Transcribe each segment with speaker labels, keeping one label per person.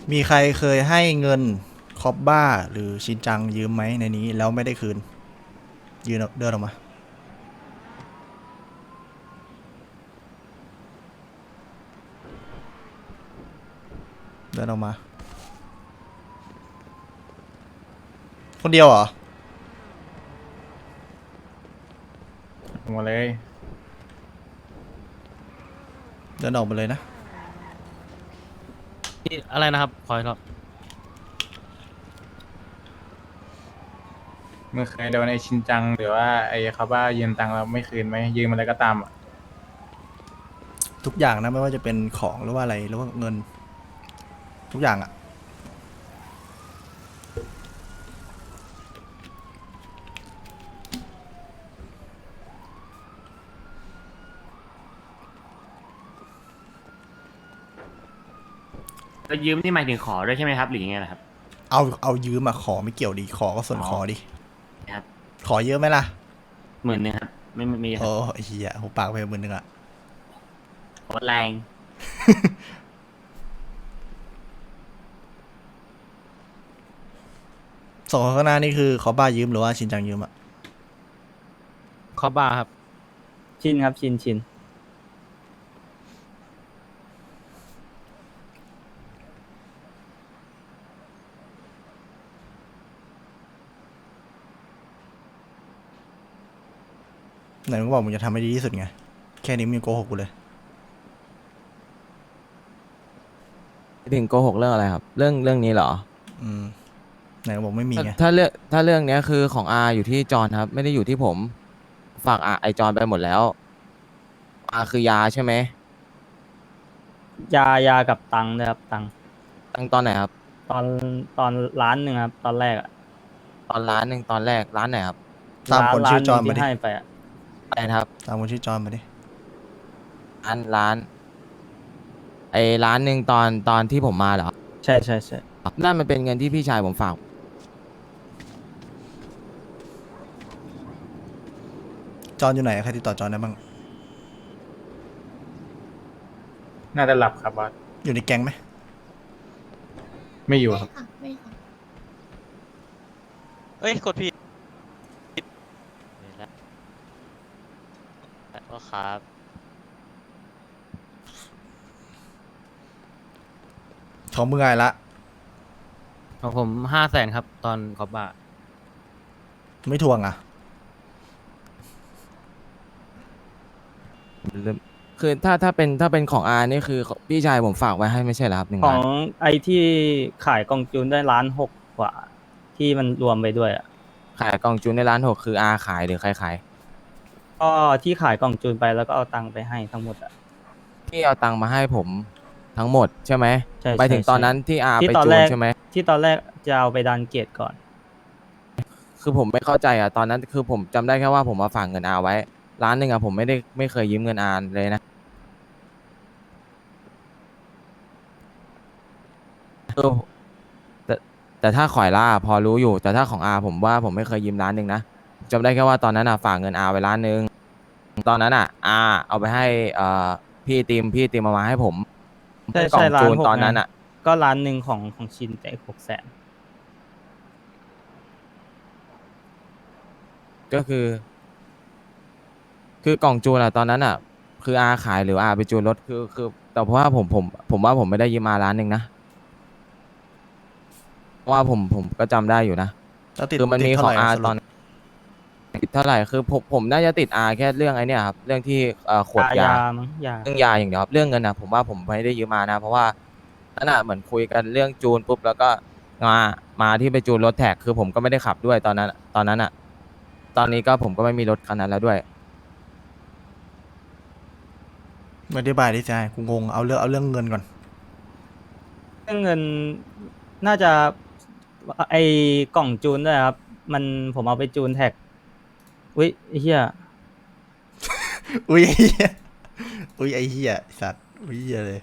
Speaker 1: มีใครเคยให้เงินคอบบ้าหรือชินจังยืมไหมในนี้แล้วไม่ได้คืนยืนเดินออกมาเดินออกมาคนเดียวเหรอ
Speaker 2: หมดเลย
Speaker 1: เดินออกมาเลยนะ
Speaker 3: อะไรนะครับขออีกรอบ
Speaker 2: มึงเคยโดนไอชินจังหรือว่าไอเขาว่ายืมตังค์เราไม่คืนไหมยืมอะไรก็ตามอ่ะ
Speaker 1: ทุกอย่างนะไม่ว่าจะเป็นของหรือว่าอะไรหรือว่าเงินทุกอย่างอะ
Speaker 4: แล้วยืมนี่หมายถึงขอด้วยใช่ไหมครับหรือยังไงล่ะครับ
Speaker 1: เอายืมอะขอไม่เกี่ยวดีขอก็ส่วน
Speaker 4: อ๋อ
Speaker 1: ขอดิ
Speaker 4: ครับ
Speaker 1: ขอเยอะไหมล่ะ
Speaker 4: 10,000ครับไม่มีค
Speaker 1: โอ้
Speaker 4: รับ
Speaker 1: ไอ้เหี้ยหูปากไป10,000อะ
Speaker 4: โคตรแรง
Speaker 1: สองคนข้างหน้านี่คือขอบ้ายืมหรือว่าชินจังยืมอะ
Speaker 3: ขอบาร์ครับ
Speaker 5: ชินครับชิน
Speaker 1: ไหนมึงบอกมึงจะทำให้ดีที่สุดไงแค่นี้มึงยังโกหกกูเลย
Speaker 6: ถึงโกหกเรื่องอะไรครับเรื่องนี้เหรอ
Speaker 1: อืมไหนมึงบอกไม่มีไง
Speaker 6: ถ้าเรื่องเนี้ยคือของอาอยู่ที่จอนครับไม่ได้อยู่ที่ผมฝากไอจอนไปหมดแล้วอาคือยาใช่ไหม
Speaker 5: ยากับตังค์นะครับตังค์
Speaker 6: ตั้งตอนไหนครับ
Speaker 5: ตอนตอนล้านหนึ่งครับตอนแรกอะ
Speaker 6: ตอนร้านหนึ่งตอนแรกร้านไหนครับ
Speaker 1: ตามคนชื่อจ
Speaker 5: หนึ่ง
Speaker 1: อนมาดิ
Speaker 5: ที่ให้ไปอะ
Speaker 6: อะไรนะครับ
Speaker 1: ตามคนชื่อจอนมาดิ
Speaker 6: ร้านไอร้านหนึ่งตอนที่ผมมาเหรอ
Speaker 5: ใช่
Speaker 6: นั่นมันเป็นเงินที่พี่ชายผมฝาก
Speaker 1: จอนอยู่ไหนใครติดต่อจอนได้บ้าง
Speaker 2: น่าจะหลับครับบอส
Speaker 1: อยู่ในแก๊งไหม
Speaker 2: ไม่อยู่
Speaker 7: ไม่
Speaker 2: ครับ
Speaker 7: ค่ะไม่ค่ะ
Speaker 3: เอ้ยกดผิดก็ครับ
Speaker 1: ของมึงไงละ
Speaker 3: ของผม500,000ครับตอนขอบบาร์
Speaker 1: ไม่ทวงอ่ะ
Speaker 6: คือถ้าเป็นของอานี่คือพี่ชายผมฝากไว้ให้ไม่ใช่เหรอครับหนึ่ง
Speaker 5: ขอ
Speaker 6: ล้าน
Speaker 5: งไอที่ขายกล่องจูนได้1.6 ล้านกว่าที่มันรวมไปด้วยอะ
Speaker 6: ขายกล่องจูนในร้านหกคืออาขายหรือใครขาย
Speaker 5: ก็ที่ขายกล่องจูนไปแล้วก็เอาตังค์ไปให้ทั้งหมดอะ
Speaker 6: ที่เอาตังค์มาให้ผมทั้งหมดใช่ไหม
Speaker 5: ใช่
Speaker 6: ไปถึงตอนนั้นที่อา
Speaker 5: ที่
Speaker 6: ไป
Speaker 5: ตอนแรก
Speaker 6: จูนใช่ไหม
Speaker 5: ที่ตอนแรกจะเอาไปดันเกตก่อน
Speaker 6: คือผมไม่เข้าใจอ่ะตอนนั้นคือผมจำได้แค่ว่าผมมาฝากเงินอาไว้ร้านหนึ่งอ่ะผมไม่เคยยืมเงินอาเลยนะคือแต่แต่ถ้าขอยล่าพอรู้อยู่แต่ถ้าของอาผมว่าผมไม่เคยยืมร้านหนึ่งนะจำได้แค่ว่าตอนนั้นอ่ะฝากเงินอาไว้ร้านหนึ่งตอนนั้นอ่ะอาเอาไปให้พี่ตีมเอามาให้ผม
Speaker 5: ใช่
Speaker 6: กล่อง
Speaker 5: ล้า
Speaker 6: จูน
Speaker 5: นหกไง
Speaker 6: ตอนนั้นอ่ะ
Speaker 5: ก็1 ล้านของชินแต่600,000
Speaker 6: ก็คือกล่องจูนอะตอนนั้นอะคืออาขายหรืออาไปจูนรถคือแต่เพราะว่าผมว่าผมไม่ได้ยืมมาร้านหนึ่งนะเพราะว่าผมก็จำได้อยู่นะ
Speaker 1: แล้วติด
Speaker 6: คือมัน
Speaker 1: ติดเท่าไหร่
Speaker 6: มีของอา
Speaker 1: สรุป
Speaker 6: ตอนติดเท่าไหร่คือผมน่าจะติดอาแค่เรื่องไอ้เนี่ยครับเรื่องที่ขวดยา
Speaker 5: มั้งยา
Speaker 6: เรื่องยาอย่างเดียวครับเรื่องเงินนะผมว่าผมไม่ได้ยืมมานะเพราะว่านั่นอะเหมือนคุยกันเรื่องจูนปุ๊บแล้วก็มามาที่ไปจูนรถแท็กคือผมก็ไม่ได้ขับด้วยตอนนั้นอะตอนนี้ก็ผมก็ไม่มีรถคันนั้นแล้วด้วย
Speaker 1: ไม่ได้บายได้ใจกูงงเอาเรื่องเงินก่อน
Speaker 5: เรื่องเงินน่าจะไอกล่องจูนด้วยครับมันผมเอาไปจูนแท็กอุ้ยไอ้เหี้ย
Speaker 1: อุ้ยไอ้เหี้ยอุ้ยไอ้เหี้ยไอ้สัตว์อุ้ยเหี้ยเลย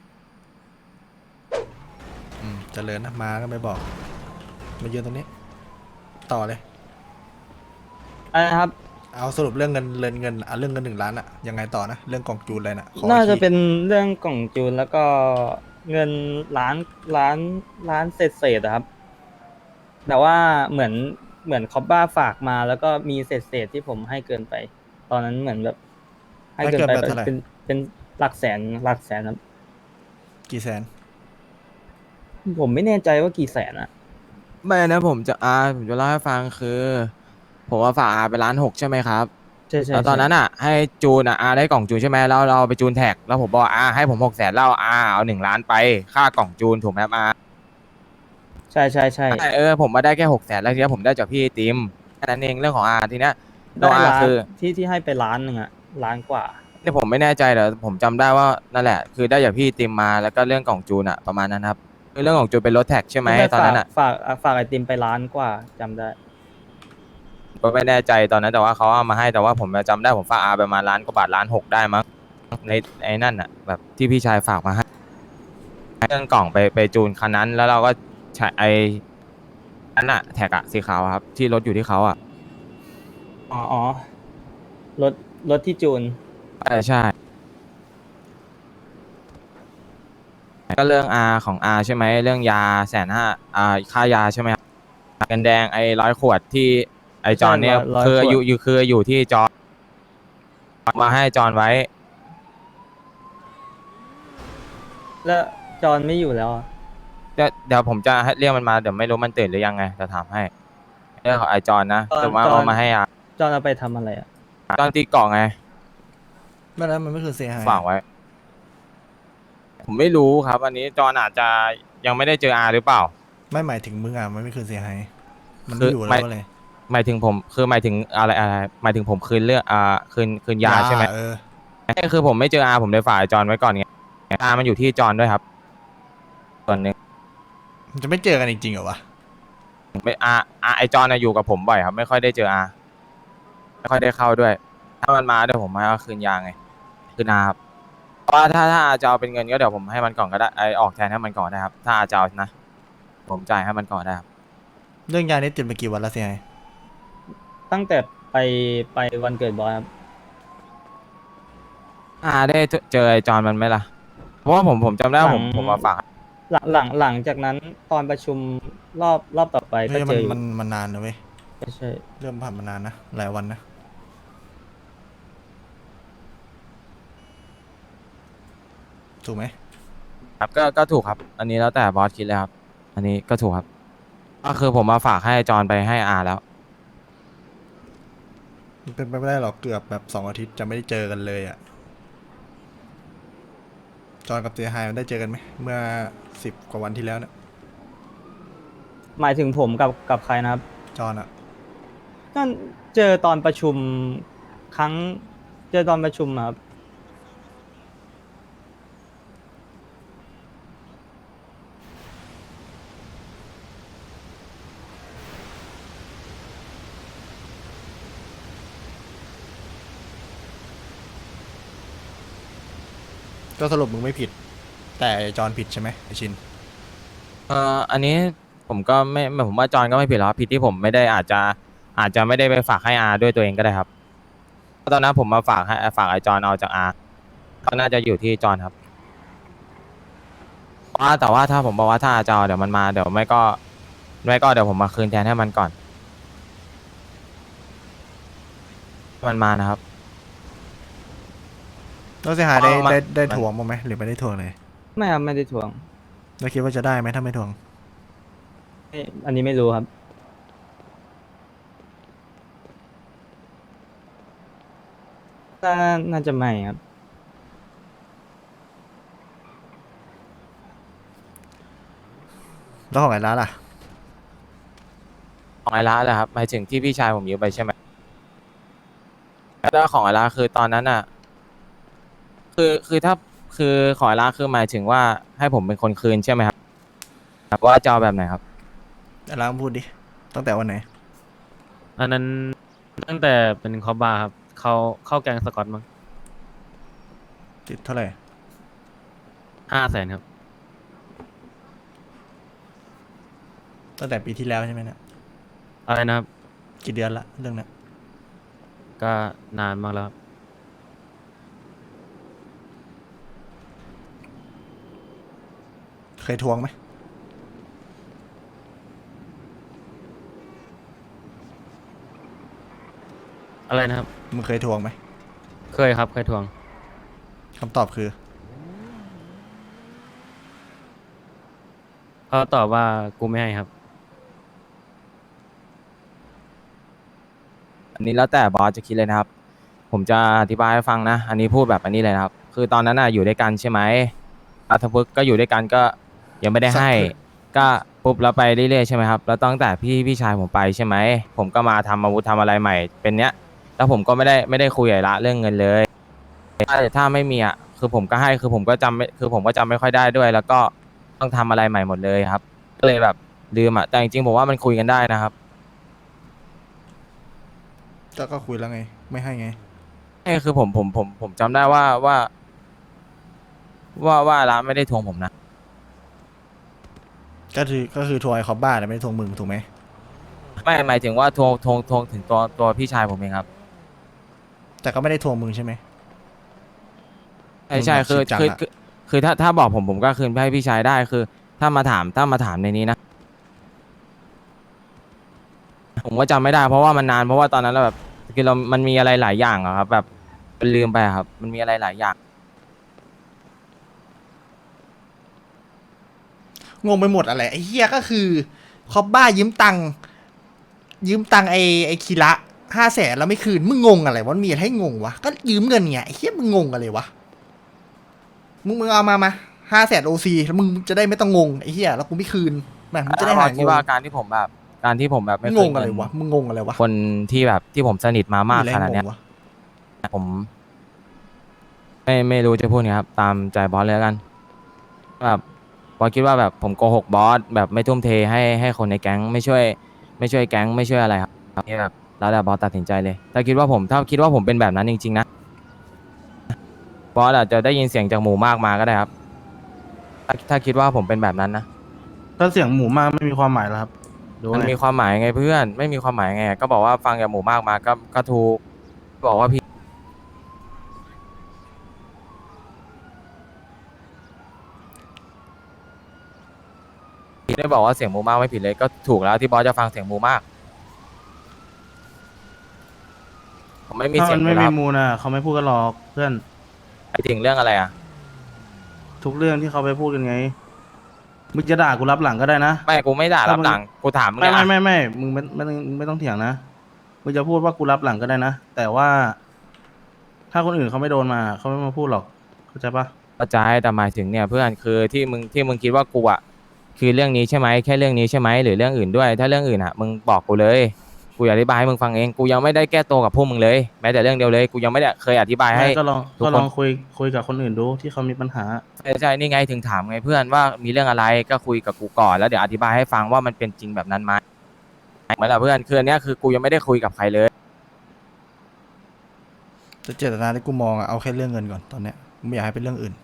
Speaker 1: เจริญนะมาก็ไม่บอกมายืนตรงนี้ต่อเลย
Speaker 5: อะไรนะครับ
Speaker 1: เอาสรุปเรื่องเงินเอาเรื่องเงิน1 ล้านอะยังไงต่อนะเรื่องกล่องจูนอะไรน่ะขออี
Speaker 5: น่า
Speaker 1: กที
Speaker 5: จะเป็นเรื่องกล่องจูนแล้วก็เงินล้านล้านล้านเศษอะครับ แต่ว่าเหมือนคอบบ้าฝากมา แล้วก็มีเศษที่ผมให้เกินไป ตอนนั้นเหมือนแบบให้เกินไป
Speaker 1: ให้เกินไปเท่าไหร่
Speaker 5: เป็นหลักแสนครับ
Speaker 1: กี่แสน
Speaker 5: ผมไม่แน่ใจว่ากี่แสนอะ
Speaker 6: ไม่นะผมจะเล่าให้ฟังคือ ผมว่าฝากอาไป1.6 ล้านใช่ไหมครับ
Speaker 5: ใช่ใช่
Speaker 6: แล้วตอนนั้นอ่ะให้จูนอาได้กล่องจูนใช่ไหมแล้วเราไปจูนแท็กแล้วผมบอกให้ผม600,000แล้วเอา1 ล้านไปค่ากล่องจูนถูกไหมครับ
Speaker 5: ใช่ใช่ใช่
Speaker 6: ผมมาได้แค่600,000แล้วทีนี้ผมได้จากพี่ติมแค่นั้นเองเรื่องของทีเนี้ย
Speaker 5: ได้
Speaker 6: เรา
Speaker 5: ล้าน
Speaker 6: คือ
Speaker 5: ที่ให้ไปล้านหนึ่งอะล้านกว่า
Speaker 6: แต่ผมไม่แน่ใจแต่ผมจำได้ว่านั่นแหละคือได้จากพี่ติมมาแล้วก็เรื่องกล่องจูนอะประมาณนั้นครับคือเรื่องของจูนเป็นรถแท็กใช่ไหมตอนนั้นอะ
Speaker 5: ฝากไอติมไปล้านกว่าจำได้
Speaker 6: ก็ไม่แน่ใจตอนนั้นแต่ว่าเขาเอามาให้แต่ว่าผมจำได้ผมฝากประมาณ1 ล้านกว่าบาท1.6 ล้านได้มั้งในไอ้นั่นอะแบบที่พี่ชายฝากมาให้เรื่องกล่องไปจูนคันนั้น แล้วเราก็ใช้ไอ้นั่นอะแท็กอะสีขาวอะครับที่รถอยู่ที่เขาอะ
Speaker 5: อ๋อรถที่จูน
Speaker 6: ใช่ก็เรื่องของใช่ไหมเรื่องยา150,000ค่ายาใช่ไหมครับเงินแดงไอ้100 ขวดที่ไอ้จอนเนี่ย
Speaker 5: 100
Speaker 6: คือ
Speaker 5: ขวด
Speaker 6: อยู่ที่จอนมาให้จอนไว้
Speaker 5: แล้วจอนไม่อยู่แล้วอะ
Speaker 6: เดี๋ยวผมจะให้เรียกมันมาเดี๋ยวไม่รู้มันตื่นหรือยังไงจะถามให้เรื่องของไอ้จอนนะแต่ว่าเอามาให้
Speaker 5: จอนเอาไปทำอะไรอะ
Speaker 6: จอนตีกล่องไง
Speaker 1: ไม่แล้วมันไม่คือเสียหาย
Speaker 6: ฝากไว้ ผมไม่รู้ครับ อันนี้จอนอาจจะยังไม่ได้เจอหรือเปล่า
Speaker 1: ไม่หมายถึงมึงมันไม่คือเสียหายมัน
Speaker 6: คื
Speaker 1: ไม่
Speaker 6: อ
Speaker 1: อยู่
Speaker 6: ไม่
Speaker 1: แล้วเลย
Speaker 6: หมายถึงผมคือหมายถึงอะไรหมายถึงผมคืนเรื่องคืนยาใช่ไหม คือผมไม่เจอผมเลยฝากไอ้จอนไว้ก่อนไงมันอยู่ที่จอนด้วยครับส่วนหนึ่ง
Speaker 1: มันจะไม่เจอกันจริงๆเหรอวะ
Speaker 6: ไม่ไอจอนอยู่กับผมบ่อยครับ ไม่ค่อยได้เจอไม่ค่อยได้เข้าด้วย ถ้ามันมาเดี๋ยวผมให้เอาคืนยาไงคืนครับเพราะว่าถ้าจะเอาเป็นเงินก็เดี๋ยวผมให้มันก่อนก็ได้ออกแทนให้มันก่อนได้ครับ ถ้าจะเอานะ ผมจ่ายให้มันก่อนได้ครับ
Speaker 1: เรื่องยานี่ติดมากี่วันแล้วเสียหาย
Speaker 5: ตั้งแต่ไปวันเกิดบอยครับ
Speaker 6: ได้เจอไอจอนมันไหมล่ะ เพราะว่าผมจำได้ว่าผมมาฝาก
Speaker 5: หลังจากนั้นตอนประชุมรอบต่อไปก็
Speaker 1: เฮ้ย
Speaker 5: เจออยู่
Speaker 1: มันนานนะเว้ย
Speaker 5: ใช่
Speaker 1: เริ่มผ่านมานานนะหลายวันนะถูกไหม
Speaker 6: ครับก็ถูกครับ อันนี้แล้วแต่บอสคิดเลยครับ อันนี้ก็ถูกครับ ก็คือผมมาฝากให้จอนไปให้แล้ว
Speaker 1: มันเป็นไปไม่ได้หรอกเกือบแบบ2 อาทิตย์จะไม่ได้เจอกันเลยอ่ะจอนกับเสียหายมันได้เจอกันไหมเมื่อ10 กว่าวันที่แล้วเนี่ย
Speaker 5: หมายถึงผมกับใครนะครับ
Speaker 1: จอนอ่ะ
Speaker 5: ก็เจอตอนประชุมเจอตอนประชุมอะครับ
Speaker 1: ก็สรุปมึงไม่ผิด แต่จอนผิดใช่ไหมไอชิน
Speaker 6: อันนี้ผมก็ไม่ผมว่าจอนก็ไม่ผิดหรอกครับผิดที่ผมไม่ได้อาจจะไม่ได้ไปฝากให้ด้วยตัวเองก็ได้ครับเพราะตอนนั้นผมมาฝากไอจอนเอาจากก็น่าจะอยู่ที่จอนครับแต่ว่าถ้าผมบอกว่าถ้าจะเอาเดี๋ยวมันมาเดี๋ยวไม่ก็เดี๋ยวผมมาคืนแทนให้มันก่อนมันมานะครับ
Speaker 1: แล้วเสียหายได้
Speaker 6: เอามา
Speaker 1: ได้ถ่วงบ้างไหมหรือไม่ได้ถ่วงเลย
Speaker 5: ไม่ครับไม่ได้ทวง
Speaker 1: แล้วคิดว่าจะได้ไหมถ้าไม่ถ่วง
Speaker 5: อันนี้ไม่รู้ครับ น่าจะไม่ครับ
Speaker 1: แล้วของไอ้ร้านล่ะ
Speaker 6: ของไอร้านแหละครับหมายถึงที่พี่ชายผมยืมไปใช่ไหมแล้วของไอร้านคือตอนนั้นอ่ะคือถ้าคือของไอร้านคือหมายถึงว่าให้ผมเป็นคนคืนใช่ไหมครับว่าจะเอาแบบไหนครับ
Speaker 1: ไอ้ร้านพูดดิตั้งแต่วันไหน
Speaker 3: อันนั้นตั้งแต่เป็นคอบบาร์ครับเข้าแกงสกอตมั้ง
Speaker 1: ติดเท่าไหร่
Speaker 3: 500,000ครับ
Speaker 1: ตั้งแต่ปีที่แล้วใช่ไหมเนี่ย
Speaker 3: อะไรนะครับ
Speaker 1: กี่เดือนละเรื่องเนี้ย
Speaker 3: ก็นานมากแล้วครับ
Speaker 1: เคยทวงไหม
Speaker 3: อะไรนะครับ
Speaker 1: มึงเคยทวงไหม
Speaker 3: เคยครับเคยทวง
Speaker 1: คำตอบคือ
Speaker 3: เขาตอบว่ากูไม่ให้ครับ
Speaker 6: อันนี้แล้วแต่บอสจะคิดเลยนะครับ ผมจะอธิบายให้ฟังนะ อันนี้พูดแบบอันนี้เลยนะครับ คือตอนนั้นน่ะอยู่ด้วยกันใช่ไหมอาทพึกษ์ก็อยู่ด้วยกันก็ยังไม่ได้ให้
Speaker 1: สักพัก
Speaker 6: ก็ปุ๊บแล้วไปเรื่อยๆใช่ไหมครับ แล้วตั้งแต่พี่ชายผมไปใช่ไหม ผมก็มาทำอาวุธทำอะไรใหม่เป็นเนี้ย แล้วผมก็ไม่ได้คุยกับละเรื่องเงินเลยถ้าไม่มีอ่ะคือผมก็ให้คือผมก็จำไม่คือผมก็จำไม่ค่อยได้ด้วย แล้วก็ต้องทำอะไรใหม่หมดเลยครับ ก็เลยแบบลืมอ่ะแต่จริงๆผมว่ามันคุยกันได้นะครับ
Speaker 1: ก็คุยแล้วไง ไม่ให้ไง
Speaker 6: นี่คือผมจำได้ว่าร้านไม่ได้ทวงผมนะ
Speaker 1: ก็คือทวงไอ้คอบบ้าแต่ไม่ได้ทวงมึงถูกไหม
Speaker 6: ไม่หมายถึงว่าทวงถึงตัวพี่ชายผมเองครับ
Speaker 1: แต่ก็ไม่ได้ทวงมึงใช่ไหม
Speaker 6: ใช่
Speaker 1: มึง
Speaker 6: คือ
Speaker 1: จริงจัง
Speaker 6: คือ
Speaker 1: อะ
Speaker 6: คือถ้าบอกผมก็คืนให้พี่ชายได้คือ ถ้ามาถามในนี้นะผมก็จำไม่ได้เพราะว่ามันนานเพราะว่าตอนนั้นเราแบบคือมันมีอะไรหลายอย่างอะครับ แบบมันลืมไปอะครับ มันมีอะไรหลายอย่าง
Speaker 1: งงไปหมดอะไรไอ้เฮียก็คือคอบบ้ายืมตังค์ไอ้คีระ500,000แล้วไม่คืนมึงงงอะไรวะมันมีอะไรให้งงวะก็ยืมเงินไงไอ้เฮียมึงงงอะไรวะมึงเอามา500,000 OC แล้วมึงจะได้ไม่ต้องงงไอ้เฮียแล้วกูไม่คืนแม่งมึงจะได้หายง
Speaker 6: คิด
Speaker 1: ง
Speaker 6: ว่าการที่ผมแบบไม่
Speaker 1: ง
Speaker 6: เคย
Speaker 1: งอะไรวะมึงงงอะไรวะ
Speaker 6: คนที่แบบที่ผมสนิทมามาก
Speaker 1: อะไร
Speaker 6: ขนาด
Speaker 1: ให้
Speaker 6: เนี้ย
Speaker 1: งงวะ
Speaker 6: ผมไม่รู้จะพูดไงครับ ตามใจบอสเลยแล้วกันแบบบอสคิดว่าแบบผมโกหกบอสแบบไม่ทุ่มเทให้คนในแก๊งไม่ช่วยแก๊งไม่ช่วยอะไรครับนี่แบบแล้วแต่บอสตัดสินใจเลยถ้าคิดว่าผมเป็นแบบนั้นจริงๆนะบอสอาจจะได้ยินเสียงจากหมู่มากมาก็ได้ครับถ้าคิดว่าผมเป็นแบบนั้นนะ
Speaker 7: ถ้าเสียงหมูมากไม่มีความหมายแล้วครับดู
Speaker 6: มัน
Speaker 7: ไง
Speaker 6: มีความหมายไงเพื่อนไม่มีความหมายไงก็บอกว่าฟังจากหมู่มากมาก็ถูกบอกว่าพี่ได้บอกว่าเสียงหมู่มากไม่ผิดเลยก็ถูกแล้วที่บอสจะฟังเสียงหมู่มากผมไม่มี
Speaker 7: ถ้า
Speaker 6: เสีย
Speaker 7: มั
Speaker 6: ง
Speaker 7: น
Speaker 6: เล
Speaker 7: ไม่
Speaker 6: ยค
Speaker 7: มี
Speaker 6: รับ
Speaker 7: มูลน่ะเขาไม่พูดกันหรอกเพื่อน
Speaker 6: ไอถึงเรื่องอะไรอ่ะ
Speaker 7: ทุกเรื่องที่เขาไปพูดกันไงมึงจะด่ากูรับหลังก็ได้นะ
Speaker 6: ไม่กูไม่ด่า
Speaker 7: ถ้า
Speaker 6: รับ
Speaker 7: มึง
Speaker 6: หลังกูถามมึง
Speaker 7: ไม่
Speaker 6: เนี่ย
Speaker 7: ไม่มึงไม่ต้องเถียงนะมึงจะพูดว่ากูรับหลังก็ได้นะแต่ว่า ถ้าคนอื่นเขาไม่โดนมาเขาไม่มาพูดหรอกเข้าใจปะ
Speaker 6: เข้าใจแต่หมายถึงเนี่ยเพื่อนคือที่มึงคิดว่ากูอ่ะคือเรื่องนี้ใช่ไหมแค่เรื่องนี้ใช่ไหมหรือเรื่องอื่นด้วย ถ้าเรื่องอื่นอ่ะมึงบอกกูเลยกูอธิบายให้มึงฟังเองกูยังไม่ได้แก้ตัวกับพวกมึงเลยแม้แต่เรื่องเดียวเลยกูยังไม่ได้เคยอธิบายให้
Speaker 7: ไม่ก็ลอง
Speaker 6: ทุกคน
Speaker 7: ก็ลองคุยกับคนอื่นดูที่เขามีปัญหา
Speaker 6: ใช่นี่ไงถึงถามไงเพื่อนว่ามีเรื่องอะไรก็คุยกับกูก่อนแล้วเดี๋ยวอธิบายให้ฟังว่ามันเป็นจริงแบบนั้นไหมเหมือนกับเพื่อนคืออันเนี้ยคือกูยังไม่ได้คุยกับใครเลย
Speaker 1: แต่เจตนาที่กูมองอะเอาแค่เรื่องเงินก่อนตอนเนี้ยกูไม่อยากให้เป็นเรื่องอื่น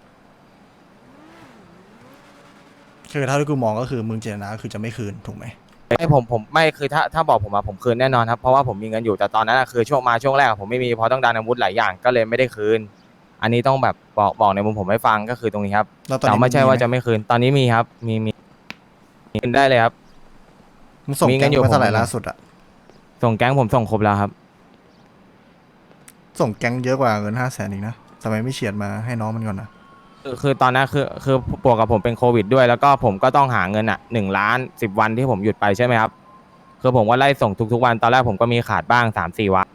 Speaker 1: คือเท่าที่กูมองก็คือมึงเจตนาก็คือจะไม่คืนถูกไหม
Speaker 6: ไม่ผมไม่คือถ้าบอกผมอะผมคืนแน่นอนครับเพราะว่าผมมีเงินอยู่แต่ตอนนั้นอะคือช่วงแรกอะผมไม่มีเพราะต้องดันอาวุธหลายอย่างก็เลยไม่ได้คืน อันนี้ต้องแบบบอกในมุมผมให้ฟังก็คือตรงนี้ครับ
Speaker 1: แล้วตอน
Speaker 6: แต่
Speaker 1: นี้
Speaker 6: ไม่ใช่
Speaker 1: ง
Speaker 6: ว่า
Speaker 1: ห
Speaker 6: จะไม่คืนตอนนี้มีครับมีคืนได้เลยครับ
Speaker 1: มึงส่ง
Speaker 6: มีเงิ
Speaker 1: แก๊
Speaker 6: น
Speaker 1: ง
Speaker 6: อยู่
Speaker 1: ไปเท่าไหร่
Speaker 6: ผม
Speaker 1: ล่าสุดอะ
Speaker 6: ส่งแก๊งผมส่งครบแล้วครับ
Speaker 1: ส่งแก๊งเยอะกว่าเงิน500,000อีกนะทำไมไม่เฉียดมาให้น้องมันก่อนนะ
Speaker 6: คือตอนนั้นคือบวกกับผมเป็นโควิดด้วยแล้วก็ผมก็ต้องหาเงินอ่ะ1,010,000 วันที่ผมหยุดไปใช่ไหมครับคือผมก็ไล่ส่งทุกๆวันตอนแรกผมก็มีขาดบ้าง3-4 วัน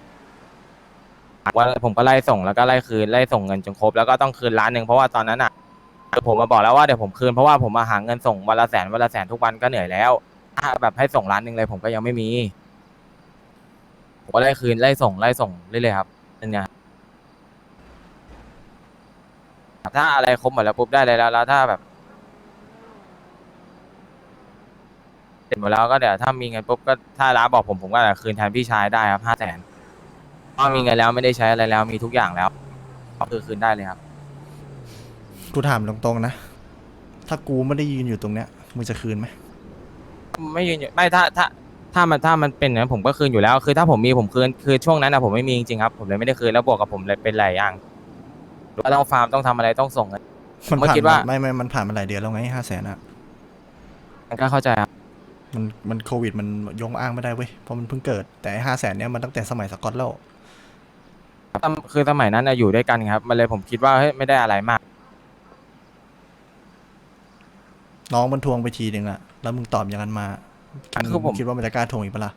Speaker 6: ผมก็ไล่ส่งแล้วก็ไล่คืนไล่ส่งเงินจนครบแล้วก็ต้องคืน1,000,000เพราะว่าตอนนั้นอ่ะผมมาบอกแล้วว่าเดี๋ยวผมคืนเพราะว่าผมมาหาเงินส่งวันละแสนทุกวันก็เหนื่อยแล้วถ้าแบบให้ส่ง1,000,000เลยผมก็ยังไม่มีผมก็ไล่คืนไล่ส่งเรื่อยๆครับนั่นไง ถ้าอะไรครบหมดแล้วปุ๊บได้เลยแล้วถ้าแบบเสร็จหมดแล้วก็เดี๋ยวถ้ามีเงินปุ๊บก็ถ้าร้านบอกผมก็จะคืนแทนพี่ชายได้ครับ500,000เพราะมีเงินแล้วไม่ได้ใช้อะไรแล้วมีทุกอย่างแล้วก็คือคืนได้เลยครับ
Speaker 1: กูถามตรงๆนะถ้ากูไม่ได้ยืนอยู่ตรงเนี้ยมึงจะคืนไหม
Speaker 6: ไม่ยืนอยู่ไม่ถ้ามันเป็นอย่างนั้นผมก็คืนอยู่แล้ว คือถ้าผมมีผมคืนคือช่วงนั้นนะผมไม่มีจริงๆครับผมเลยไม่ได้คืนแล้วบวกกับผมเลยเป็นหลายอย่างก็ต้องฟาร์มต้องทำอะไรต้องส่งเงิน
Speaker 1: มัน
Speaker 6: ผมก็
Speaker 1: ผ่าน
Speaker 6: คิดว่า
Speaker 1: ไม่มันผ่านมาหลายเดือนแล้วไง500,000อะ
Speaker 6: ก็เข้าใจครับ
Speaker 1: มันโควิดมันยงอ้างไม่ได้เว้ยเพราะมันเพิ่งเกิดแต่500,000เนี้ยมันตั้งแต่สมัยสกอตแล้ว
Speaker 6: คือสมัยนั้นน่ะอยู่ด้วยกันครับมันเลยผมคิดว่าเฮ้ยไม่ได้อะไรมาก
Speaker 1: น้องมันทวงไปทีหนึ่งอะแล้วมึงตอบอย่างนั้นมา
Speaker 6: คือผม
Speaker 1: งคิดว่ามันจะกล้าทวงอีกปะล่ะ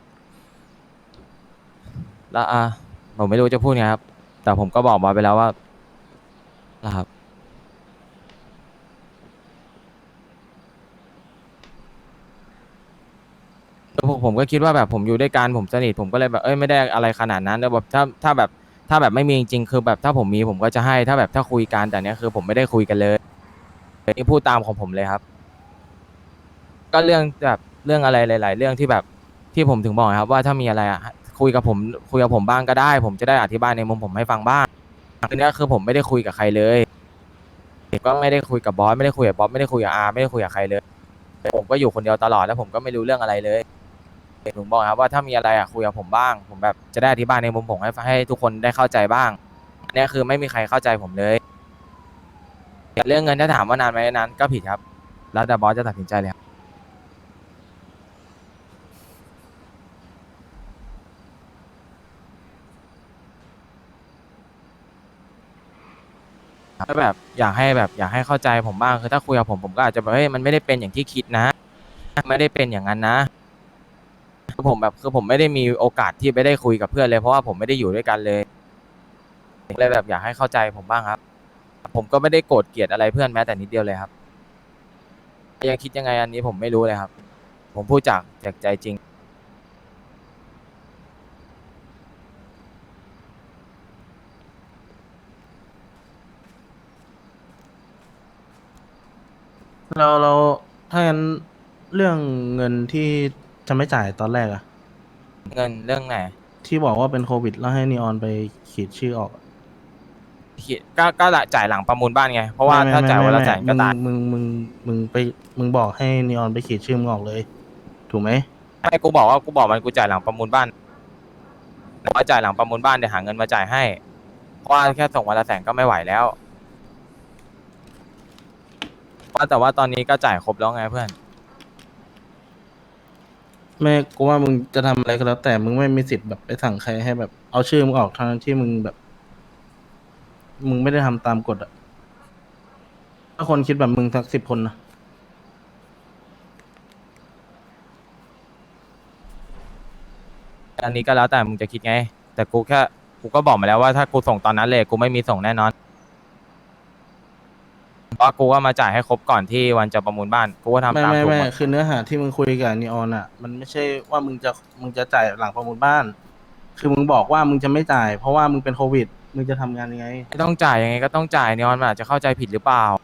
Speaker 6: แล้วผมไม่รู้จะพูดไงครับ แต่ผมก็บอกบอสไปแล้วว่านะครับแล้วผมก็คิดว่าแบบผมอยู่ด้วยกันผมสนิทผมก็เลยแบบไม่ได้อะไรขนาดนั้นแล้วแบบถ้าแบบไม่มีจริงๆคือแบบถ้าผมมีผมก็จะให้ถ้าแบบถ้าคุยกันแต่เนี้ยคือผมไม่ได้คุยกันเลยนี่พูดตามของผมเลยครับ ก็เรื่องแบบเรื่องอะไรหลายๆเรื่องที่แบบที่ผมถึงบอกครับว่าถ้ามีอะไรคุยกับผมบ้างก็ได้ ผมจะได้อธิบายในมุมผมให้ฟังบ้างทีนี้คือผมไม่ได้คุยกับใครเลยก็ไม่ได้คุยกับบอสไม่ได้คุยกับบ๊อบไม่ได้คุยกับอาไม่ได้คุยกับใครเลยผมก็อยู่คนเดียวตลอดแล้วผมก็ไม่รู้เรื่องอะไรเลยผมบอกครับว่าถ้ามีอะไรคุยกับผมบ้าง ผมแบบจะได้อธิบายในมุมผมให้ทุกคนได้เข้าใจบ้างอันนี้คือไม่มีใครเข้าใจผมเลยเรื่องเงินถ้าถามว่านานไหมนานก็ผิดครับ แล้วแต่บอสจะตัดสินใจเลยครับถ้าแบบอยากให้เข้าใจผมบ้างคือถ้าคุยกับผมก็อาจจะแบบมันไม่ได้เป็นอย่างที่คิดนะ ไม่ได้เป็นอย่างนั้นนะคือผมไม่ได้มีโอกาสที่ไปได้คุยกับเพื่อนเลยเพราะว่าผมไม่ได้อยู่ด้วยกันเลยแบบอยากให้เข้าใจผมบ้างครับ ผมก็ไม่ได้โกรธเกลียดอะไรเพื่อนแม้แต่นิดเดียวเลยครับยังคิดยังไงอันนี้ผมไม่รู้เลยครับ ผมพูดจากใจจริง
Speaker 7: เราถ้างั้นเรื่องเงินที่จะไม่จ่ายตอนแรกอะ
Speaker 6: เงินเรื่องไหน
Speaker 7: ที่บอกว่าเป็นโควิดแล้วให้นีออนไปขีดชื่อออกอะ
Speaker 6: ก็จ่ายหลังประมูลบ้านไงเพราะว่าถ้าจ่ายวันละแสนก็ตาย
Speaker 7: มึงบอกให้นีออนไปขีดชื่อมึงออกเลย ถูกไหม
Speaker 6: ไม่กูบอกมันกูจ่ายหลังประมูลบ้านแต่ว่าจ่ายหลังประมูลบ้านเดี๋ยวหาเงินมาจ่ายให้เพราะว่าแค่ส่งวันละแสนก็ไม่ไหวแล้วแต่ว่าตอนนี้ก็จ่ายครบแล้วไงเพื่อน
Speaker 7: แม่กูว่ามึงจะทำอะไรก็แล้วแต่มึงไม่มีสิทธิ์แบบไปสั่งใครให้แบบเอาชื่อมึงออกทั้งที่มึงแบบ มึงไม่ได้ทำตามกฎอะถ้าคนคิดแบบมึงสัก10 คนนะ
Speaker 6: อันนี้ก็แล้วแต่มึงจะคิดไง แต่กูก็บอกมาแล้วว่าถ้ากูส่งตอนนั้นเลยกูไม่มีส่งแน่นอนเพราะกูว่ามาจ่ายให้ครบก่อนที่วันจะประมูลบ้านกูก็ทำตามถูกหมด
Speaker 7: คือเนื้อหาที่มึงคุยกับนีออนอะมันไม่ใช่ว่ามึงจะจ่ายหลังประมูลบ้าน คือมึงบอกว่ามึงจะไม่จ่าย เพราะว่ามึงเป็นโควิด มึงจะทำงานยังไง
Speaker 6: ไม่ต้องจ่ายยังไงก็ต้องจ่ายนีออนมันอาจจะเข้าใจผิดหรือเปล่า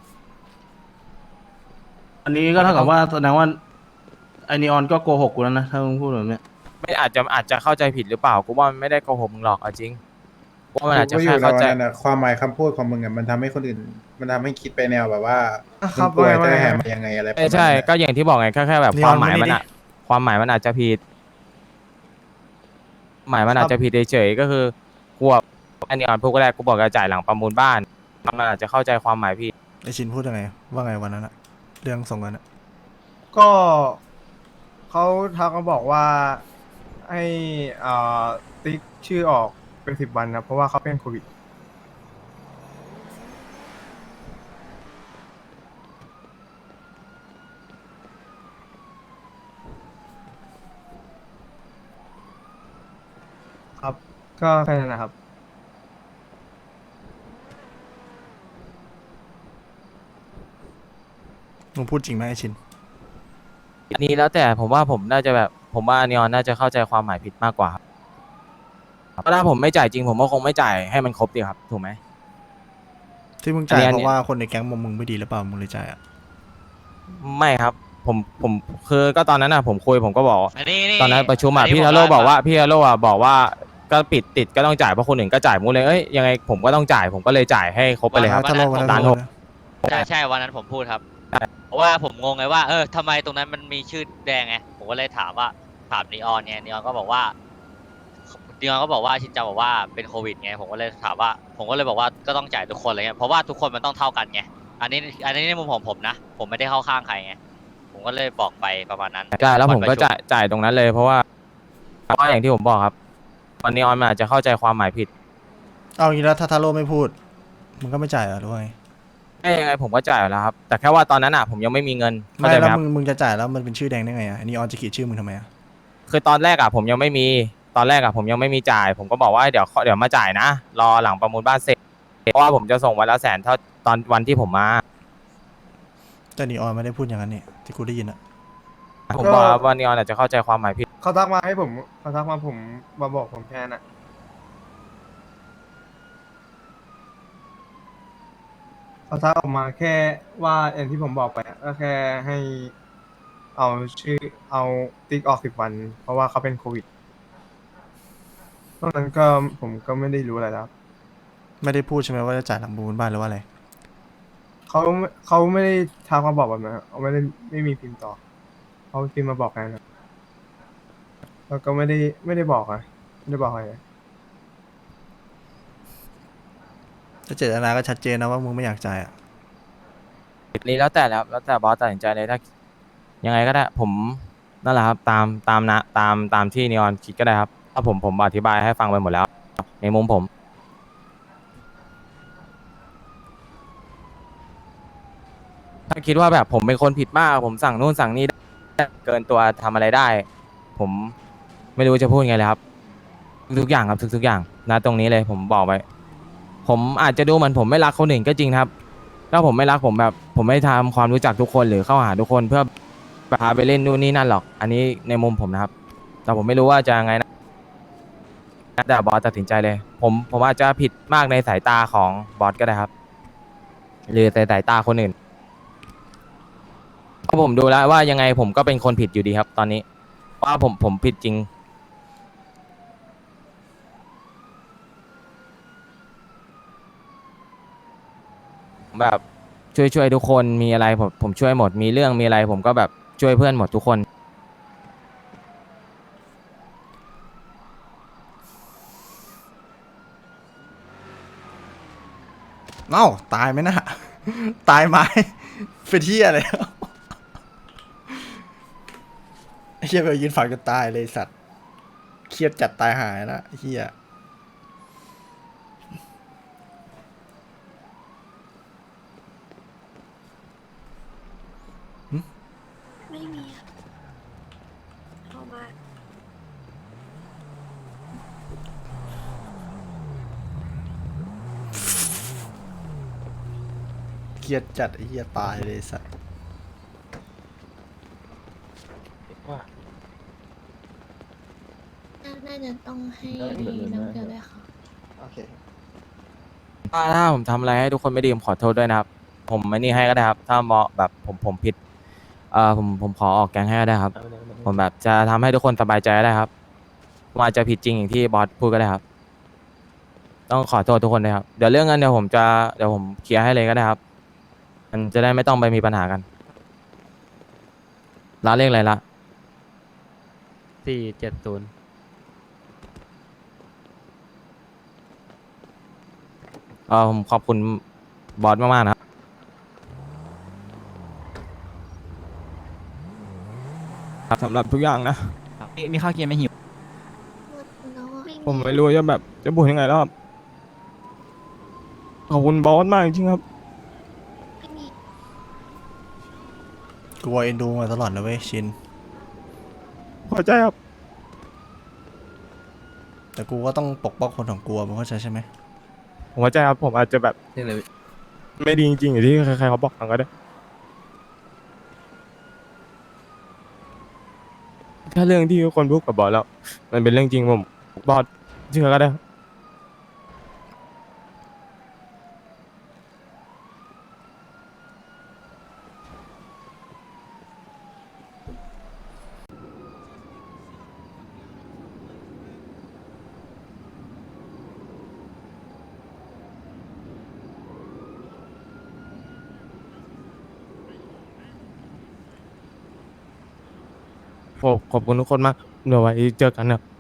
Speaker 7: อันนี้ก็เท่ากับว่าแสดงว่าไอนีออนก็โกหกกูแล้วนะถ้ามึงพูดแบบเนี้ย
Speaker 6: ไม่อาจจะเข้าใจผิดหรือเปล่ากูว่ามันไม่ได้โกหกมึงหรอกเอาจริงกูว่ามันอาจจะแค่เข้าใจ
Speaker 2: ความหมายคำพูดของมึงอ่ะมันทำให้คนอื่น มันทำให้คิดไปแนวแบบว่า
Speaker 1: ครับ
Speaker 2: มึงป่วย
Speaker 1: ว่า
Speaker 2: จะ
Speaker 1: ไง
Speaker 2: แหมายังไงอะไรประมาณ
Speaker 6: ใช่
Speaker 2: นั้น
Speaker 6: ก็อย่างที่บอกไงแค่แบบ
Speaker 1: นี
Speaker 6: ค
Speaker 1: ออ
Speaker 6: วาน มหมาย
Speaker 1: มานี่
Speaker 6: มัน
Speaker 1: ดิ
Speaker 6: อะความหมายมันอาจจะผิดหมายมันอาจจะผิดเฉยๆก็คือกูอันนี้อ่อนพูดก็ได้กูบอกจะจ่ายหลังประมูลบ้านมันอาจจะเข้าใจความหมายผิด
Speaker 1: ไอชินพูดยังไงว่าไงวันนั้นอะเรื่องส่งเงินอะ
Speaker 8: ก็เขาทักมาบอกว่าให้ติ๊กชื่อออกเป็น10 วันนะเพราะว่าเขาเป็นโควิดครับ ก็แค่นั้นนะครับ
Speaker 1: มึงพูดจริงไหมไอชิน
Speaker 6: อันนี้แล้วแต่ผมว่าผมน่าจะแบบผมว่านีออนน่าจะเข้าใจความหมายผิดมากกว่าครับเพราะถ้าผมไม่จ่ายจริงผมก็คงไม่จ่ายให้มันครบดีครับถูกไหม
Speaker 1: ที่มึงจ่าย
Speaker 6: อัน
Speaker 1: เพ
Speaker 6: นี้
Speaker 1: ราะว่าคนในแก๊งมึงไม่ดีหรือเปล่ามึงเลยจ่ายอะ
Speaker 6: ไม่ครับผมคือก็ตอนนั้นน่ะผมคุยผมก็บอก ตอนนั้นประชุมพี่
Speaker 9: ผ
Speaker 6: ทาโร่บอกว่าพี่ทาโร่บอกว่าก็ปิดติดก็ต้องจ่ายเพราะคนอื่นก็จ่ายมูเลยยังไงผมก็ต้องจ่ายผมก็เลยจ่ายให้ครบไปเลยครับ
Speaker 1: ถ้าโลกวันนั้น
Speaker 6: ล้าน
Speaker 1: โล
Speaker 6: ห
Speaker 1: ก
Speaker 6: ก
Speaker 9: ใช่วันนั้นผมพูดครับ เพราะว่าผมงงไงว่าทำไมตรงนั้นมันมีชื่อแดงไงผมก็เลยถามนีออนไงนีออนก็บอกว่าชินจังบอกว่าเป็นโควิดไงผมก็เลยถามว่าผมก็เลยบอกว่าก็ต้องจ่ายทุกคนอะไรเงี้ยเพราะว่าทุกคนมันต้องเท่ากันไงอันนี้ในมุมของผมนะ ผมไม่ได้เข้าข้างใครไง ผมก็เลยบอกไปประมาณนั้น
Speaker 6: ใช่แล้วผมก็
Speaker 9: อนประชุ
Speaker 6: จ่ายตรงนั้นเลยเพราะว่าอย่างที่ผมบอกครับตอนนี้ออนมันอาจจะเข้าใจความหมายผิด
Speaker 1: เอางี้แล้วถ้าทาโร่ไม่พูดมึงก็ไม่จ่ายเหรอหรือว่าไง
Speaker 6: ยังไงผมก็จ่ายอยู่แล้วครับ แต่แค่ว่าตอนนั้นอ่ะผมยังไม่มีเงินเข้า
Speaker 1: ไม่
Speaker 6: ใจไหม
Speaker 1: แล้ว
Speaker 6: ครับ
Speaker 1: มึงจะจ่ายแล้วมันเป็นชื่อแดงได้ไงอ่ะนีออนจะขีดชื่อมึงทำไมอ่ะ
Speaker 6: คือตอนแรกอ่ะผมยังไม่มีตอนแรกอ่ะผมยังไม่มีจ่าย ผมก็บอกว่าเดี๋ยวมาจ่ายนะรอหลังประมูลบ้านเสร็จเพราะว่าผมจะส่งวันละ100,000เท่าตอนวันที่ผมมา
Speaker 1: แต่นีออนไม่ได้พูดอย่างนั้นนี่ที่กูได้ยินอ่ะ
Speaker 6: ผมบอกว่านีออนอาจจะเข้าใจความหมายผิด
Speaker 8: เขาทักมาให้ผมเขาทักมาผมมาบอกผมแค่นั้นอะเขาทักออกมาแค่ว่าอย่างที่ผมบอกไปอะก็แค่ให้เอาชื่อเอาติ๊กออก10 วัน เพราะว่าเขาเป็นโควิดตอนนั้นก็ผมก็ไม่ได้รู้อะไรแล้ว
Speaker 1: ไม่ได้พูดใช่ไหมว่าจะจ่ายหลังประมูลบ้านหรือว่าอะไร
Speaker 8: เขาไม่ได้ทักมาบอกแบบนั้นเขาไม่มีพิมพ์ต่อเขาพิมพ์มาบอกแค่นั้นครับแล้วก็ไม่ได้บอกอะไม่ได้บอกอะไร
Speaker 1: ถ้าเจตนาก็ชัดเจนนะว่ามึงไม่อยากจ่ายอ่ะ
Speaker 6: นี่แล้วแต่บอสตัดสินใจเลยถ้ายังไงก็ได้ผมนั่นแหละครับตามที่นีออนคิดก็ได้ครับถ้าผมอธิบายให้ฟังไปหมดแล้ว ในมุมผมถ้าคิดว่าแบบผมเป็นคนผิดมากผมสั่งนู่นสั่งนี่ได้เกินตัวทำอะไรได้ ผมไม่รู้จะพูดไงเลยครับทุกอย่างครับทุกอย่างนะตรงนี้เลยผมบอกไว้ผมอาจจะดูเหมือนผมไม่รักคนอื่นก็จริงครับ ถ้าผมไม่รักผมแบบผมไม่ทำความรู้จักทุกคนหรือเข้าหาทุกคนเพื่อพาไปเล่นนู่นนี่นั่นหรอก อันนี้ในมุมผมนะครับ แต่ผมไม่รู้ว่าจะยังไงนะแต่บอสตัดสินใจเลย ผมอาจจะผิดมากในสายตาของบอสก็ได้ครับ หรือในสายตาคนอื่นเพราะผมดูแล้วว่ายังไงผมก็เป็นคนผิดอยู่ดีครับ ตอนนี้ว่าผมผิดจริง แบบช่วยทุกคนมีอะไรผมช่วยหมดมีเรื่องมีอะไรผมก็แบบช่วยเพื่อนหมดทุกคน
Speaker 1: เอ้าตายไหมนะ ตายไหม เป็นที่อะไร ไอ้เฮียไปยืนฝังจนตายเลยไอ้สัตว์เครียดจัดตายหายละไอ้เฮียหึ
Speaker 10: ไม่มีอะเข้ามา
Speaker 1: เครียดจัดไอ้เฮียตายเลยไอ้สัตว์
Speaker 10: น่าจะต้องให้น้ำเกลือด้วยค่ะ
Speaker 1: โอเค
Speaker 6: ถ้าผมทำอะไรให้ทุกคนไม่ดีผมขอโทษด้วยนะครับ ผมไม่นี่ให้ก็ได้ครับ ถ้ามองแบบผมผิดผมขอออกแกงให้ก็ได้ครับ ผมแบบจะทำให้ทุกคนสบายใจก็ได้ครับผมอาจจะผิดจริงอย่างที่บอสพูดก็ได้ครับ ต้องขอโทษทุกคนด้วยครับเดี๋ยวเรื่องเงินเดี๋ยวผมเคลียร์ให้เลยก็ได้ครับ มันจะได้ไม่ต้องไปมีปัญหากันร้านเลขอะไรละ
Speaker 3: 470
Speaker 6: ผมขอบคุณบอสมากๆนะครับสำหรับทุกอย่างนะ
Speaker 11: มีข้าวเกียร์ไม่หิว
Speaker 10: แล้วอะ
Speaker 6: ผมไม่รู้จะแบบจะพูดยังไงแล้วครับขอบคุณบอสมากจริงๆครับ
Speaker 10: ไม่มี
Speaker 1: กูว่าเอ็นดูมาตลอดนะเว้ยชิน
Speaker 6: พอใจครับ
Speaker 1: แต่กูก็ต้องปกป้องคนของกูมึงเข้าใจใช่ไหม
Speaker 6: ผมเข้าใจครับผมอาจจะแบบไม่ดีจริงๆอย่างที่ใครๆเขาบอกกันก็ได้ถ้าเรื่องที่คนพูดกับบอสแล้ว มันเป็นเรื่องจริงผมบอสเชื่อก็ได้ครับขอบคุณทุกคนมากเดี๋ยวไว้เจอกันนะ